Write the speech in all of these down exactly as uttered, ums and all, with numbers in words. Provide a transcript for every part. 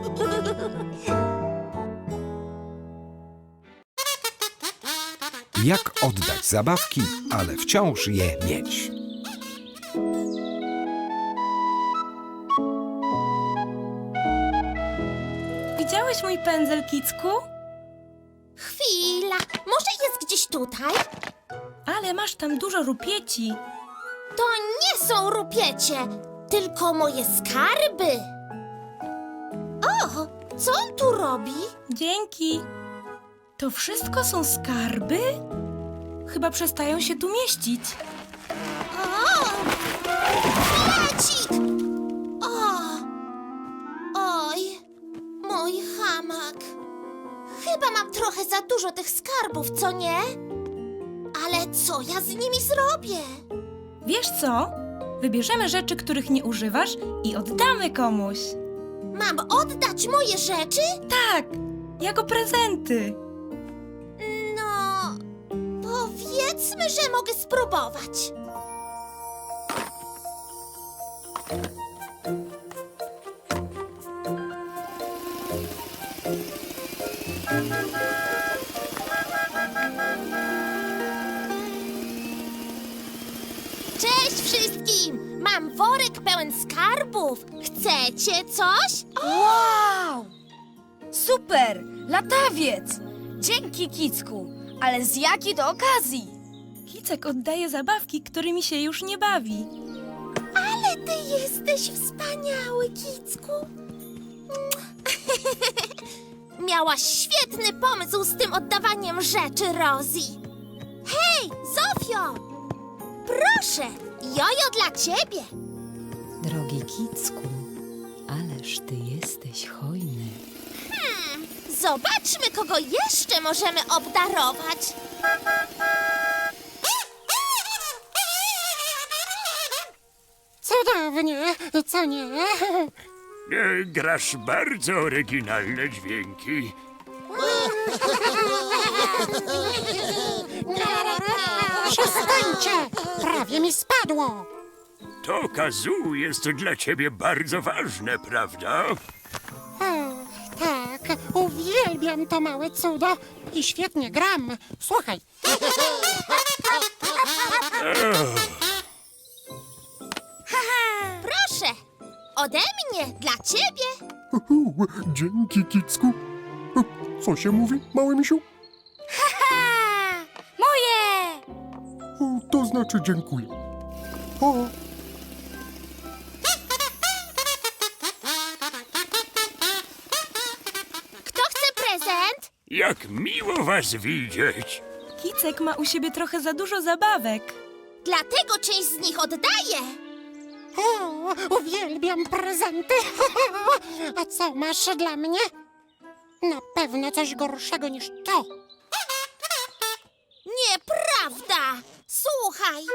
Jak oddać zabawki, ale wciąż je mieć? Widziałeś mój pędzel, Kicku? Chwila, może jest gdzieś tutaj? Ale masz tam dużo rupieci. To nie są rupiecie, tylko moje skarby. O, co on tu robi? Dzięki. To wszystko są skarby? Chyba przestają się tu mieścić. O, flecik! O, oj, mój hamak. Chyba mam trochę za dużo tych skarbów, co nie? Ale co ja z nimi zrobię? Wiesz co? Wybierzemy rzeczy, których nie używasz i oddamy komuś. Mam oddać moje rzeczy? Tak, jako prezenty. No, powiedzmy, że mogę spróbować. Cześć wszystkim! Mam worek pełen skarbów. Chcecie coś? Wow! Super! Latawiec! Dzięki, Kicku! Ale z jakiej to okazji? Kicek oddaje zabawki, którymi się już nie bawi. Ale ty jesteś wspaniały, Kicku. Miałaś świetny pomysł z tym oddawaniem rzeczy, Rosie. Hej, Zofio! Proszę, jojo dla ciebie. Drogi Kicku, ależ ty jesteś hojny. Hmm, zobaczmy, kogo jeszcze możemy obdarować. Cudownie, co nie? E, Grasz bardzo oryginalne dźwięki. Przestańcie! Prawie mi spadło! To kazoo jest dla ciebie bardzo ważne, prawda? O, tak, uwielbiam to małe cudo i świetnie gram. Słuchaj. Proszę, ode mnie, dla ciebie. Uhu, dzięki, Kicku. Co się mówi, mały misiu? Ha! Moje! O, to znaczy dziękuję. O, Kto chce prezent? Jak miło was widzieć. Kicek ma u siebie trochę za dużo zabawek. Dlatego część z nich oddaję. O, uwielbiam prezenty. A co masz dla mnie? Na pewno coś gorszego niż to. Nieprawda! Słuchaj,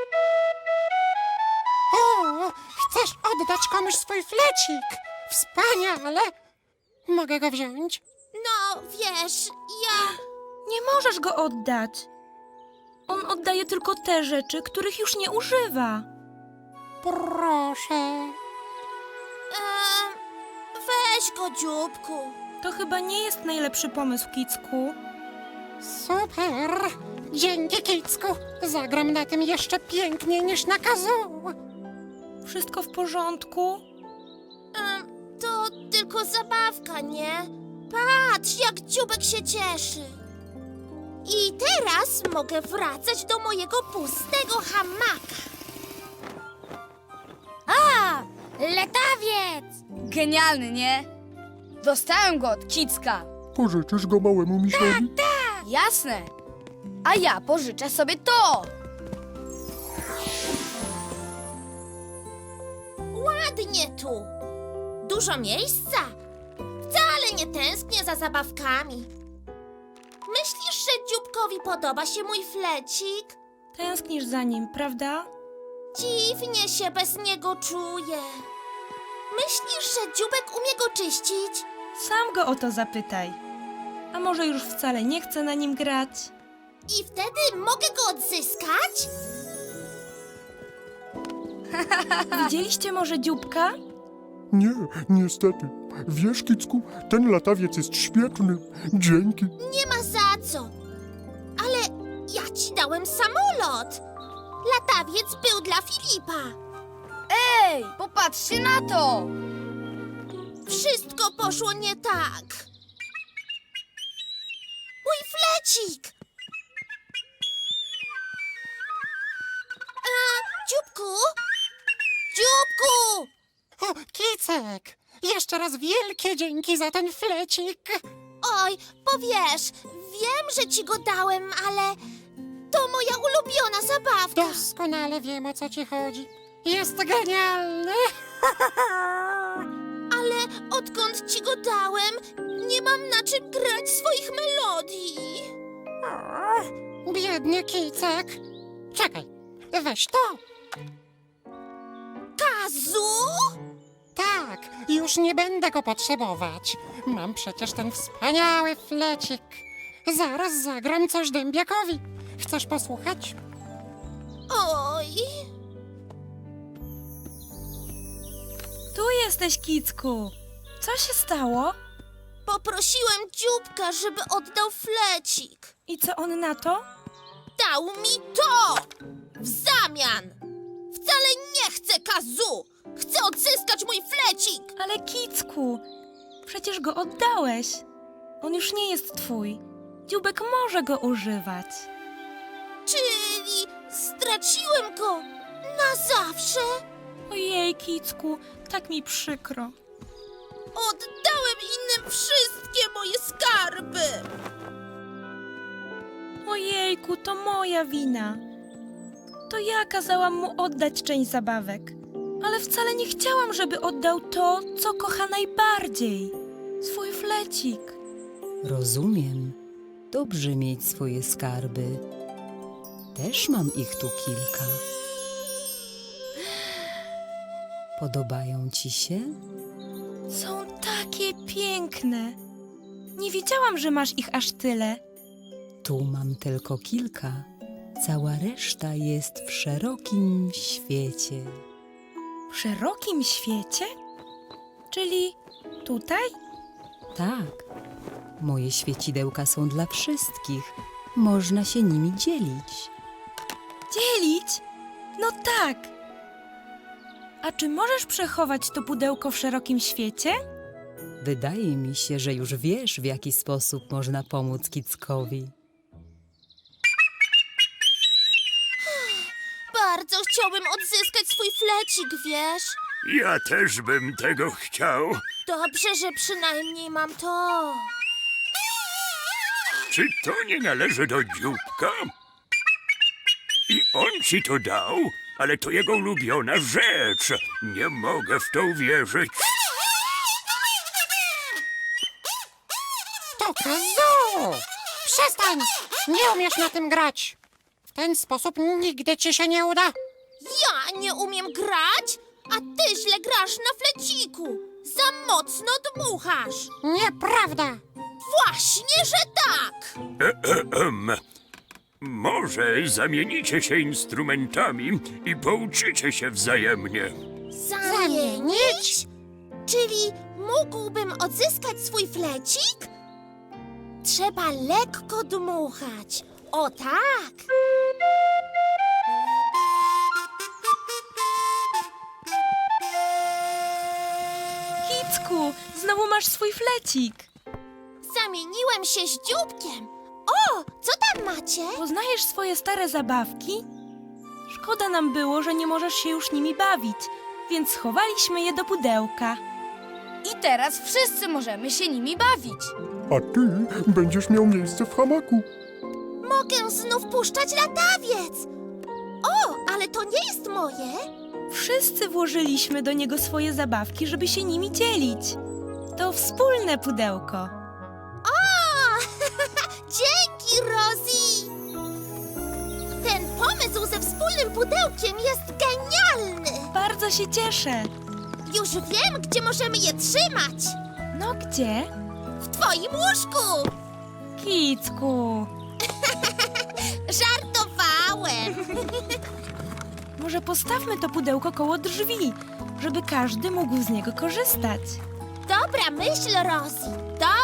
O, chcesz oddać komuś swój flecik? Wspaniale. Mogę go wziąć? no wiesz, ja... Nie możesz go oddać. On oddaje tylko te rzeczy, których już nie używa. Proszę. Em, weź go, dzióbku. To chyba nie jest najlepszy pomysł, Kicku. Super! Dzięki, Kicku. Zagram na tym jeszcze piękniej niż na kazoo. Wszystko w porządku? Em, to tylko zabawka, nie? Patrz, jak dzióbek się cieszy. I teraz mogę wracać do mojego pustego hamaka. A! Latawiec! Genialny, nie? Dostałem go od Kicka. pożyczysz go małemu misiowi? Jasne. A ja pożyczę sobie to. Ładnie tu. Dużo miejsca. Wcale nie tęsknię za zabawkami. Myślisz, że dzióbkowi podoba się mój flecik? Tęsknisz za nim, prawda? Dziwnie się bez niego czuję. Myślisz, że dzióbek umie go czyścić? Sam go o to zapytaj. A może już wcale nie chce na nim grać? I wtedy mogę go odzyskać? Widzieliście może dzióbka? Nie, niestety. Wiesz, Kicku, ten latawiec jest świetny. Dzięki. Nie ma za co. Ale ja ci dałem samolot. Latawiec był dla Filipa. Ej, popatrzcie na to! Wszystko poszło nie tak. Mój flecik! A, dzióbku? Dzióbku! O, Kicek! Jeszcze raz wielkie dzięki za ten flecik. Oj, powiesz, wiem, że ci go dałem, ale to moja ulubiona zabawka. Doskonale wiem, o co ci chodzi. Jest genialny. Ale odkąd ci go dałem, nie mam na czym grać swoich melodii. O, biedny Kicek. Czekaj, weź to. Kazu? Tak, już nie będę go potrzebować. Mam przecież ten wspaniały flecik. Zaraz zagram coś dębiakowi. Chcesz posłuchać? Oj, Tu jesteś, Kicku. Co się stało? poprosiłem dzióbka, żeby oddał flecik. I co on na to? Dał mi to! W zamian! Wcale nie chcę Kazu! Chcę odzyskać mój flecik! Ale Kicku, przecież go oddałeś. On już nie jest twój. Dziubek może go używać. Czyli straciłem go na zawsze? Ojej, Kicku, tak mi przykro. Oddałem innym wszystkie moje skarby! Ojejku, to moja wina. To ja kazałam mu oddać część zabawek. Ale wcale nie chciałam, żeby oddał to, co kocha najbardziej. Swój flecik. Rozumiem. Dobrze mieć swoje skarby. Też mam ich tu kilka. Podobają ci się? Są takie piękne. Nie wiedziałam, że masz ich aż tyle. Tu mam tylko kilka. Cała reszta jest w szerokim świecie. W szerokim świecie? Czyli tutaj? Tak, moje świecidełka są dla wszystkich. Można się nimi dzielić. Dzielić? No tak. A czy możesz przechować to pudełko w szerokim świecie? Wydaje mi się, że już wiesz, w jaki sposób można pomóc Kickowi. Bardzo chciałbym odzyskać swój flecik, wiesz? Ja też bym tego chciał. Dobrze, że przynajmniej mam to. Czy to nie należy do dzióbka? I on ci to dał? Ale to jego ulubiona rzecz. Nie mogę w to uwierzyć. To Kazu! Przestań! Nie umiesz na tym grać. W ten sposób nigdy ci się nie uda. Ja nie umiem grać, a ty źle grasz na fleciku. Za mocno dmuchasz. Nieprawda! Właśnie, że tak. Ehem. Może zamienicie się instrumentami i pouczycie się wzajemnie. Zamienić? Czyli mógłbym odzyskać swój flecik? Trzeba lekko dmuchać. O tak! Kicku, znowu masz swój flecik. Zamieniłem się z dzióbkiem. O, co tam macie? Poznajesz swoje stare zabawki? Szkoda nam było, że nie możesz się już nimi bawić, więc schowaliśmy je do pudełka. I teraz wszyscy możemy się nimi bawić. A ty będziesz miał miejsce w hamaku. Mogę znów puszczać latawiec. O, ale to nie jest moje. Wszyscy włożyliśmy do niego swoje zabawki, żeby się nimi dzielić. To wspólne pudełko. O, dzięki, Rosie. Ten pomysł ze wspólnym pudełkiem jest genialny. Bardzo się cieszę. Już wiem, gdzie możemy je trzymać. No gdzie? W twoim łóżku. Kicku. Żartowałem. Może postawmy to pudełko koło drzwi, żeby każdy mógł z niego korzystać. Dobra myśl, Rosie.